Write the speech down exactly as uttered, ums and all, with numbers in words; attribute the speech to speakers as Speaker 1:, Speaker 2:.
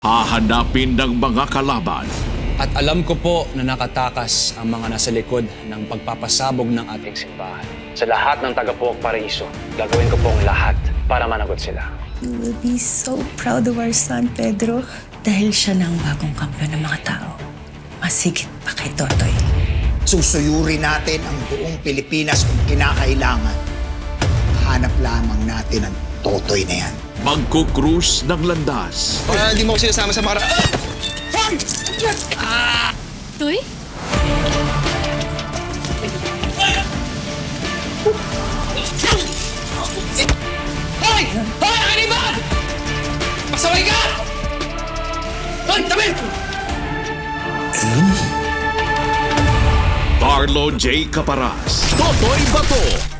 Speaker 1: Hahanapin ng mga kalaban.
Speaker 2: At alam ko po na nakatakas ang mga nasa likod ng pagpapasabog ng ating simbahan. Sa lahat ng taga-Puok Paraiso, gagawin ko pong lahat para managot sila.
Speaker 3: You will be so proud of our son, Pedro. Dahil siya na ang bagong kampiyon ng mga tao. Masigit pa kay Totoy.
Speaker 4: Susuyurin natin ang buong Pilipinas kung kinakailangan. Hanap lamang natin ang Totoy na yan.
Speaker 1: Magkukrus ng landas.
Speaker 5: Para hindi mo ko sinasama sa para...
Speaker 6: Toy?
Speaker 5: Hoy! Hoy! Ang kaniban! Pasaway ka! Hoy! Tabi!
Speaker 1: Carlo J. Caparas, Totoy Bato,